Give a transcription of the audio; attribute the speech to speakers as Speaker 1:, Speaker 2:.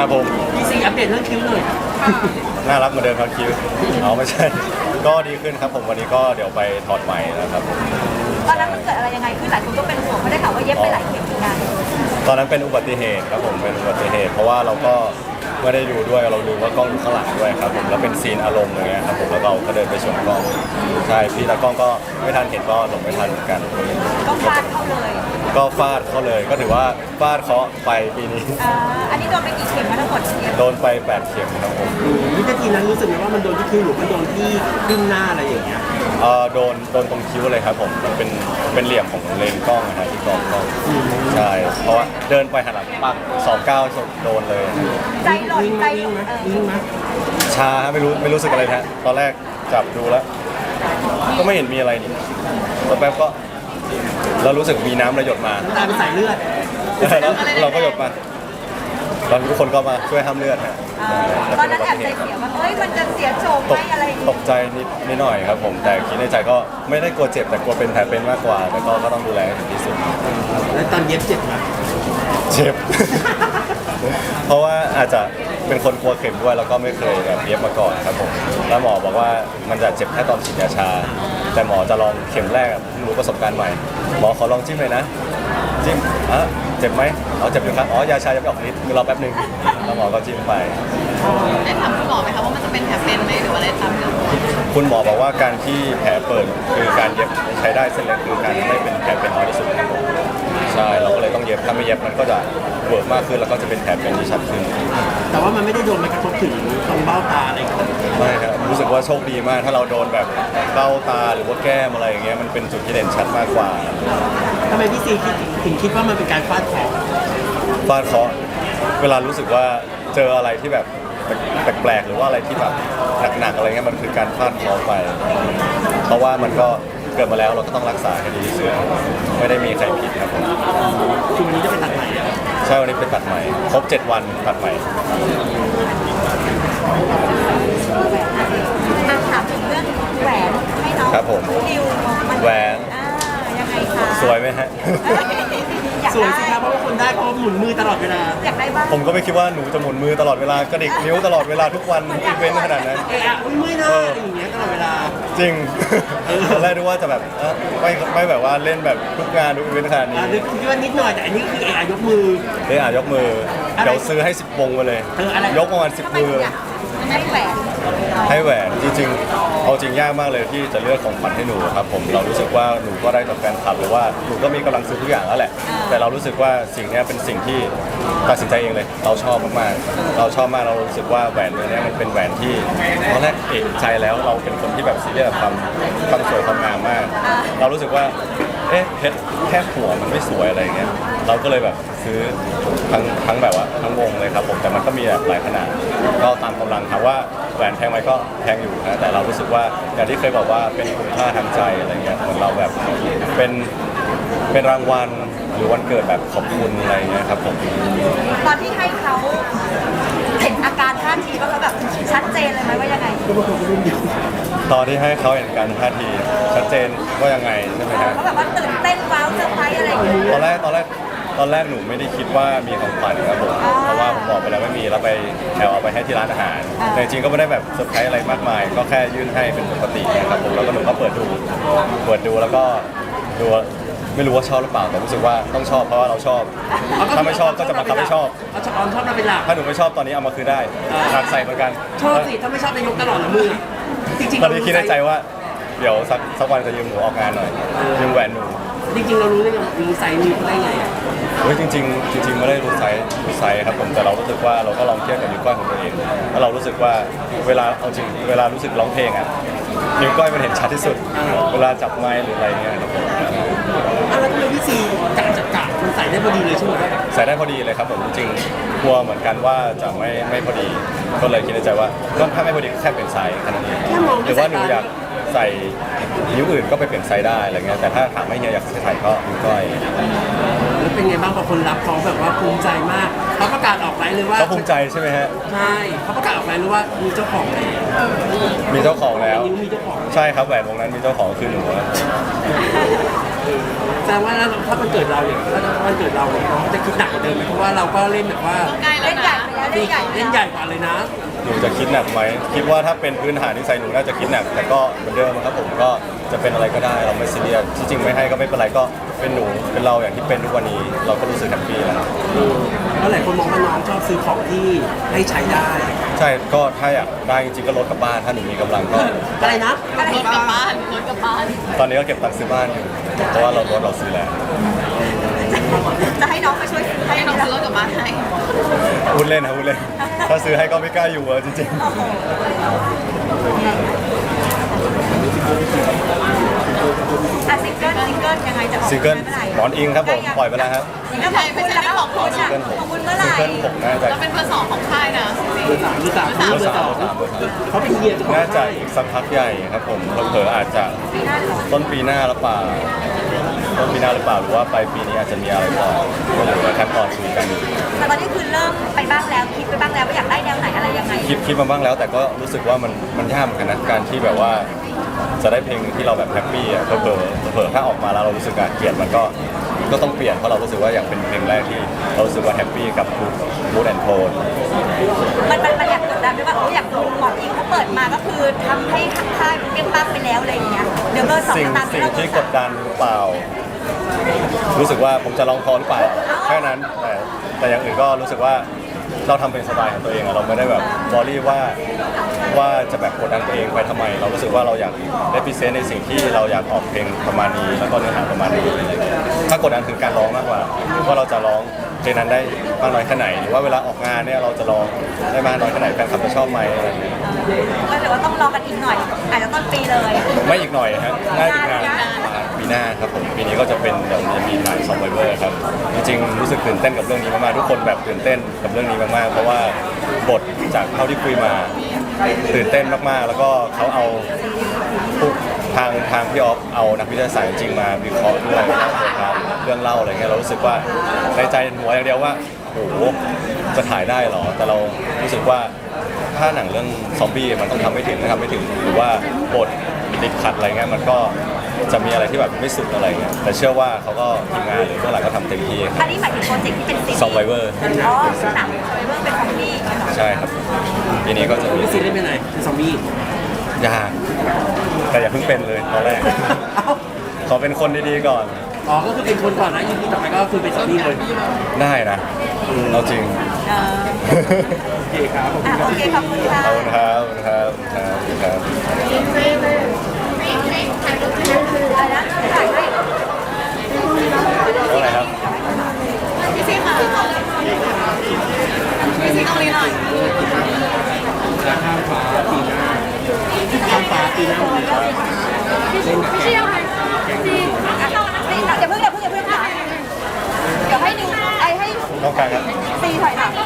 Speaker 1: ครับผม
Speaker 2: พี่ซีอัปเดตเรื่องคิ้วหน่อย
Speaker 1: น่ารักเหมือนเดิมครับคิวเอาไม่ใช่ก็ดีขึ้นครับผมวันนี้ก็เดี๋ยวไปถอดใหม่นะครับผม
Speaker 3: ตอนนั้นมันเกิดอะไรยังไงคือหลายคนก็เป็นห่วงไม่ได้ข่าวว่าเย็บไปหลายเข็มเหมือนกัน
Speaker 1: ตอนนั้นเป็นอุบัติเหตุครับผมเป็นอุบัติเหตุเพราะว่าเราก็ไม่ได้ดูด้วยเราลืมว่ากล้องอยู่ข้างหลังด้วยครับผมแล้วเป็นซีนอารมณ์อย่างเงี้ยครับผมแล้วเราก็เดินไปชนกล้องใช่พี่ตากล้องก็ไม่ทันเห็นก็หลงไม่ทันเหมือนกัน
Speaker 3: ก็ฟาดเข้าเลย
Speaker 1: ก็ฟาดเขาเลยก็ถือว่าฟาดเคาะไปปีนี้
Speaker 3: อันนี้โดนไปกี่เข็มแล้วทั้งหมด
Speaker 1: โดนไป8 เข็มครับผม
Speaker 2: วินาทีนั้นรู้สึกไหมว่ามันโดนที่คิ้วหรือมันโดนที่ขึ้นหน้าอะไรอย่างเงี้ย
Speaker 1: โดนตรงคิ้วเลยครับผมมันเป็นเหลี่ยมของเลนส์กล้องนะฮะที่กล้องใช่เพราะว่าเดินไปหันหลังปัก29โดนเลย
Speaker 3: ใจหล่นใจ
Speaker 2: วิ่งไหม
Speaker 1: ชาไม่รู้สึกอะไรฮะตอนแรกจับดูแล้วก็ไม่เห็นมีอะไรนี่แป๊บก็เรารู้สึกมีน้ำระหยดมา
Speaker 2: ตาเป็นสายเลือด
Speaker 1: แล้วเราก็หยดมาตอนทุกคนก็มาช่วยห้ามเลือดฮะ
Speaker 3: ตอนนั้นแอบใจเสียว่าเฮ้ยมันจะเสียโฉมไหมอะไร
Speaker 1: ตกใจนิดหน่อยครับผมแต่คิดในใจก็ไม่ได้กลัวเจ็บแต่กลัวเป็นแผลเป็นมากกว่าแต่ก็ต้องดูแลให้ถึงที่สุด
Speaker 2: แล้วตอนเย็บเจ็บไหม
Speaker 1: เจ็บเพราะว่าอาจจะเป็นคนกลัวเข็มด้วยแล้วก็ไม่เคยแบบเย็บมาก่อนครับผมแล้วหมอบอกว่ามันจะเจ็บแค่ตอนฉีดยาชาแต่หมอจะลองเข็มแรกรู้ประสบการณ์ใหม่หมอขอลองจิ้มเลยนะจิ้มเจ็บไหมเจ็บอยู่ครับยาชายังไม่ออกฤทธิ์รอแป๊บนึงแล้วหมอก็จิ้มไป
Speaker 4: ได้ถามคุณหมอไหมคะว่ามันจะเป็นแผลเป็นไหมหรือว่าอะไรตามเรื่อง
Speaker 1: คุณหมอบอกว่าการที่แผลเปิดคือการเย็บใช้ได้เส้นเล็กคือการไม่เป็นแผลเป็นน้อยที่สุดครับผมใช่เราก็เลยต้องเย็บถ้าไม่เย็บมันก็จะเวิร์กมากขึ้นแล้วก็จะเป็นแผลเป็นที่ชัดขึ้น
Speaker 2: แต่ว่ามันไม่ได้โดนมันกระทบถึงตรงเบ้าตาอะไร
Speaker 1: ไม่ครับรู้สึกว่าโชคดีมากถ้าเราโดนแบบเบ้าตาหรือว่าแก้มอะไรอย่างเงี้ยมันเป็นจุดที่เด่นชัดมากกว่า
Speaker 2: ทำไมพี่ซีถึงคิดว่ามันเป็นการฟาดเคาะ
Speaker 1: เวลารู้สึกว่าเจออะไรที่แบบแปลกๆหรือว่าอะไรที่แบบหนักๆอะไรเงี้ยมันคือการฟาดเคาะไปเพราะว่ามันก็เกิดมาแล้วเราก็ต้องรักษาให้ดีที่สุดไม่ได้มีใครผิดครับผม
Speaker 2: คือวันนี้จะเป็นตัดใหม่
Speaker 1: ใช่วันนี้เป็นตัดใหม่ครบ7 วันตัดใหม่
Speaker 3: ถามถึงเรื่องแหวนให้น้อง
Speaker 1: ครับผม
Speaker 3: ดิว
Speaker 1: แหวน
Speaker 3: ยังไงคะ
Speaker 1: สวยไหมฮะ
Speaker 2: สวยสิครับเพราะว่าคนได้เพราะหมุนมือตลอดเวลา
Speaker 3: อยากได้บ้าง
Speaker 1: ผมก็ไม่คิดว่าหนูจะหมุนมือตลอดเวลากระดิกนิ้วตลอดเวลาทุกวันอีเวนต์ขนาดนั้น
Speaker 2: มือหน้าอย่างเงี้ยตลอดเวลา
Speaker 1: จริงตอนแรกนึกว่าจะแบบไม่แบบว่าเล่นแบบทุกงานทุกอีเวนต์ขนาดนี้
Speaker 2: คิดว่านิดหน่อยแต่อันนี้คือยกมื
Speaker 1: อยกมือเดี๋ยวซื้อให้10 วงไปเลยยกประมาณ10 มือให้แหวนจริงๆเอาจริงยากมากเลยที่จะเลือกของขวัญให้หนูครับผมเรารู้สึกว่าหนูก็ได้จากแฟนคลับหรือว่าหนูก็มีกำลังซื้อทุกอย่างแล้วแหละแต่เรารู้สึกว่าสิ่งนี้เป็นสิ่งที่ตัดสินใจเองเลยเราชอบมากๆเราชอบมากเรารู้สึกว่าแหวนนี้มันเป็นแหวนที่ตอนแรกเอกใจแล้วเราเป็นคนที่แบบซีเรียสกับความสวยความงามมากเรารู้สึกว่าเพชรแค่หัวมันไม่สวยอะไรเงี้ยเราก็เลยแบบซื้อทั้งแบบว่าทั้งวงเลยครับผมแต่มันก็มีแบบหลายขนาดก็ตามกำลังถามว่าแหวนแพงไหมก็แพงอยู่นะแต่เรารู้สึกว่าอย่างที่เคยบอกว่าเป็นคุณค่าทางใจอะไรเงี้ยเหมือนเราแบบเป็นรางวัลหรือวันเกิดแบบขอบคุณอะไรเงี้ยครับผม
Speaker 3: ตอนที่ให้เขาเห็นอาการท่าทีว่าเขาแบบชัดเจนเลยไหมว่ายังไง
Speaker 1: ตอนที่ให้เขาเห็นการท่าทีชัดเจนว่ายังไงใช่ไหมครับ
Speaker 3: เขาแบบว่าตื่นเต้นว้าวเซอร์ไพรส์อะไรอย่างเงี้ย
Speaker 1: ตอนแรกหนูไม่ได้คิดว่ามีของขวัญครับผมเพราะว่าผมบอกไปแล้วไม่มีเราไปแถวเอาไปให้ที่ร้านอาหารแต่จริงก็ไม่ได้แบบเซอร์ไพรส์อะไรมากมายก็แค่ยื่นให้เป็นปกตินะครับผมแล้วก็หนูก็เปิดดูแล้วก็ดูไม่รู้ว่าชอบหรือเปล่าแต่รู้สึกว่าต้องชอบเพราะว่าเราชอบถ้าไม่ชอบก็จะมาทำให้ชอบ
Speaker 2: ชอบเราเป็นหลัก
Speaker 1: ถ้าหนูไม่ชอบตอนนี้เอามาคืนได้หักใส่เหมือนกัน
Speaker 2: ชอบสิถ้าไม่ชอบจะยกตลอดละมือ
Speaker 1: จริงๆตอนนี้คิดในใจว่าเดี๋ยวสักวันจะยืมหนูออกงานหน่อยยืมแหวนหนู
Speaker 2: จริงๆเรารู้ได้ไงมีไซส์มีได้ไง
Speaker 1: จริงไม่ได้รู้ไซส์ครับผมแต่เรารู้สึกว่าเราก็ลองเทียบกับนิ้วก้อยของตัวเองแล้วเรารู้สึกว่าเวลารู้สึกร้องเพลงนิ้วก้อยมันเห็นชัดที่สุดเวลาจับไมค์หรืออะไรเงี้ยครับผม
Speaker 2: แล้วทำไมพี่ซีกะมันใส่ได้พอดีเลยใช่ไหม
Speaker 1: ใส่ได้พอดีเลยครับผมจริงกลัวเหมือนกันว่าจะไม่พอดีก็เลยคิดในใจว่าถ้าไม่พอดีก็แค่เปลี่ยนไซส์แค่นั้นเองหรือว่าหนูอยากใส่นิ้วอื่นก็ไปเปลี่ยนไซส์ได้อะไรเงี้ยแต่ถ้าถามไม่เฮียอยากใส่ก็นิ้วก้อย
Speaker 2: แล้วเป็นไงบ้างพอคนรับเขาแบบว่าภูมิใจมากเขาประกาศออกไลน์เลยว่า
Speaker 1: เขาภูมิใจใช่ไหมฮะ
Speaker 2: ใช่เขาประกาศออกไลน์เลยว่ามีเจ้าของ
Speaker 1: มีเจ้าของแล้ว
Speaker 2: มีเจ้าของ
Speaker 1: ใช่ครับแหวนวงนั้นมีเจ้าของคือหนู
Speaker 2: แสดงว่าถ้ามันเกิดเราอย่างถ้ามันเกิดเราเขาจะคิดหนักกว่าเดิมเพราะว่าเราก็เล่นแบบว่า
Speaker 4: ใกล้แล้วนะ
Speaker 2: เล่นใหญ่กว่าเลยนะ
Speaker 1: หนูจะคิดหนักไหมคิดว่าถ้าเป็นพื้นฐานนิสัยหนูน่าจะคิดหนักแต่ก็เหมือนเดิมครับผมก็จะเป็นอะไรก็ได้เราไม่ซีเรียสที่จริงไม่ให้ก็ไม่เป็นไรก็เป็นหนูเป็นเราอย่างที่เป็นทุกวันนี้เราก็รู้สึกแฮปปี้แล้ว
Speaker 2: แล้วหลายคนมองว่าน้องชอบซื้อของที่ให้ใช้ได้
Speaker 1: ใช่ก็ถ้าอยากได้จริงๆก็ลดกลับบ้านถ้าหนูมีกำลังก็
Speaker 2: อะไรนะ
Speaker 4: รถกลับบ้านรถกลับบ้าน
Speaker 1: ตอนนี้ก็เก็บตังค์ซื้อบ้านอยู่เพราะว่าเราลดเราซื้อแล้ว
Speaker 3: จะให้น้องไปช่วยซื้อให้
Speaker 4: ให้น้องซื้อรถกลับบ้านให้
Speaker 1: พูดเล่นนะพูดเล่นถ้าซื้อให้ก็ไม่กล้าอยู่จริง
Speaker 3: อ่ะซิงเกิลยังไงจะออก
Speaker 1: ๆซิงเกิล
Speaker 3: มื่อไหร่
Speaker 1: หมอนอิงครับผมปล่อยไปแล้วครับ
Speaker 3: ซิงเกิลของคุณแล้วก็ของคุณอ่ะของคุณเมื่อไห
Speaker 1: ซิง
Speaker 3: ร่
Speaker 1: เกิลผมน่าจะ
Speaker 4: เราเป็นเบอร์ 2ของค่ายนะจริง
Speaker 2: เบอร์สามเขาเป็นเฮียเจ้าของ
Speaker 1: น่าจะอีกสักพักใหญ่ครับผมเผลอๆอาจจะ
Speaker 3: ปีหน้าเหรอ
Speaker 1: ต้นปีหน้าหรือเปล่าต้นปีหน้าหรือเปล่าหรือว่าปลายปีนี้อาจจะมีอะไรต่อก็เหลือขั้นตอนคุยกันอยู่
Speaker 3: แต่ตอนนี้คือเริ่มไปบ้างแล้วคิดไปบ้างแล้วว่าอยากได้แนวไหนอะไรยังไง
Speaker 1: คิดมาบ้างแล้วแต่ก็รู้สึกว่ามันยากเหมือนกันนะการที่แบบว่าจะได้เพลงหนึ่งที่เราแบบแฮปปี้อ่ะเผลอๆถ้าออกมาแล้วเรารู้สึกเกลียดมันก็ต้องเปลี่ยนเพราะเรารู้สึกว่าอยากเป็นเพลงแรกที่เรารู้สึกว่าแฮปปี้กับมูดแอนโทน
Speaker 3: มันอยากกดดันด้วยว่าอยากดูหมอนอิงเขาเปิดมาก็คือทำให้ค่ายเปรี้ยงป้างไปแล้วอะไรอย่างเงี้ยเดี๋ยวเบอร์สอง
Speaker 1: สิ่ง
Speaker 3: ตาม
Speaker 1: สิ่ง
Speaker 3: เบอร์
Speaker 1: ที่
Speaker 3: สาม
Speaker 1: กดดันหรือเปล่า รู้สึกว่าผมจะลองพอหรือเปล่าแค่นั้นแต่อย่างอื่นก็รู้สึกว่าเราทำเป็นสไตล์ของตัวเองอะเราไม่ได้แบบบอรี่ว่าจะแบบกดดันตัวเองไปทำไม เรารู้สึกว่าเราอยากได้พรีเซนต์ในสิ่งที่เราอยากออกเพลงประมาณนี้แล้วก็เนื้อหาประมาณนี้ถ้ากดดันคือการร้องมากกว่าว่าเราจะร้องเพลงนั้นได้มากน้อยแค่ไหนหรือว่าเวลาออกงานเนี่ยเราจะร้องได้มากน้อยแค่ไหนแฟนคลับจะชอบไหมอะไรอย่างเงี้ย
Speaker 3: ก็ถือว่าต้องรอกันอีกหน่อยอาจจะต้นปีเลย
Speaker 1: ไม่อีกหน่อยฮะง่ายอีกงานปีหน้าครับผมปีนี้ก็จะเป็นเดี๋ยวจะมีถ่ายซอมไบเวอร์ครับจริงๆรู้สึกตื่นเต้นกับเรื่องนี้มากๆทุกคนแบบตื่นเต้นกับเรื่องนี้มากๆเพราะว่าบทจากเท่าที่คุยมาตื่นเต้นมากๆ แล้วก็เขาเอาทางพี่ออฟเอานักวิทยาศาสตร์จริงมาวิเคราะห์ด้วยเรื่องเล่าอะไรเงี้ยเรารู้สึกว่าในใจหัวอย่างเดียวว่าโอ้โหจะถ่ายได้เหรอแต่เรารู้สึกว่าถ้าหนังเรื่องซอมบี้มันต้องทำไม่ถึงถ้าทำไม่ถึงหรือว่าบทติดขัดอะไรเงี้ยมันก็จะมีอะไรที่แบบไม่สุดอะไรเงี้ยแต่เชื่อว่าเขาก็ทีมงานหรือเบื้องหลังก็ทำเต็มที่
Speaker 3: อันนี้หมายถึงโปรเจกต์ที่เป็นซีรีส์
Speaker 1: ซอมไบเวอร์
Speaker 3: อ๋อหนังซอมไบเวอร์เป็นของพี่เหรอ
Speaker 1: ใช่ครับปีนี้ก็จะมี
Speaker 2: พี่ซีเล่นเป็นไหนเป็นซอมบี้
Speaker 1: ยากแต่อย่าเพิ่งเป็นเลยตอนแรก
Speaker 2: เอ้า
Speaker 1: ขอเป็นคนดีๆก่อน
Speaker 2: อ๋อก็คือเป็นคนก่อนนะยี่ที่ต่อไปก็คือเป็นซอมบี้เลย
Speaker 1: ได้นะเอาจริง
Speaker 3: เออ
Speaker 2: โอเคครับผม
Speaker 3: อ่ะโอเคขอบคุณค่ะ
Speaker 1: ขอบคุณครับขอบคุณครับขอบคุณครับ
Speaker 3: อะไรนะถ่ายให้
Speaker 1: เท่าไหร่ครับ
Speaker 4: พี่ซีค่ะพี่ซีตรงนี้หน่อย
Speaker 2: แล้วข้ามฟ้าปีหน้าข้ามฟ้าปีหน้าเลยเล่นกับแก
Speaker 3: อย่าเพิ่งค่ะเดี๋ยวให้ดูให้
Speaker 1: ต้องการครับ
Speaker 3: ซีถอยหลัง